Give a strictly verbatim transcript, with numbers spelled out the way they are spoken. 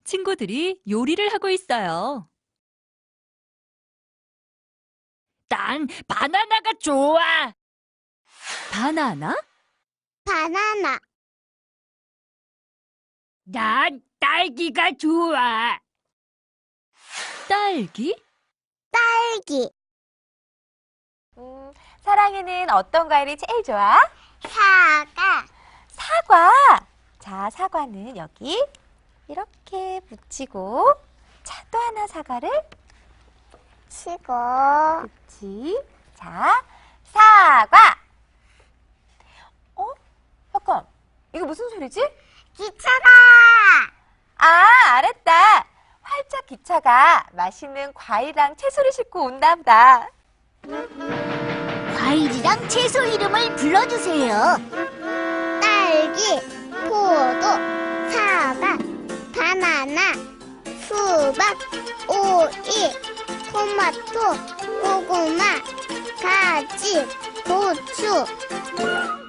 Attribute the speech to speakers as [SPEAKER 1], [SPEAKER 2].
[SPEAKER 1] 친구들이 요리를 하고 있어요. 난 바나나가 좋아. 바나나?
[SPEAKER 2] 바나나,
[SPEAKER 1] 난 딸기가 좋아. 딸기?
[SPEAKER 2] 딸기,
[SPEAKER 3] 음, 사랑이는 어떤 과일이 제일 좋아?
[SPEAKER 2] 사과,
[SPEAKER 3] 사과. 자, 사과는 여기 이렇게 붙이고, 자, 또 하나 사과를
[SPEAKER 2] 치고,
[SPEAKER 3] 붙이. 자, 사과. 어? 잠깐, 이거 무슨 소리지?
[SPEAKER 2] 기차다!
[SPEAKER 3] 아, 알았다. 활짝 기차가 맛있는 과일이랑 채소를 싣고 온다 보다.
[SPEAKER 2] 과일이랑 채소 이름을 불러주세요. 딸기, 포도, 사과, 바나나, 수박, 오이, 토마토, 고구마, 가지, 고추.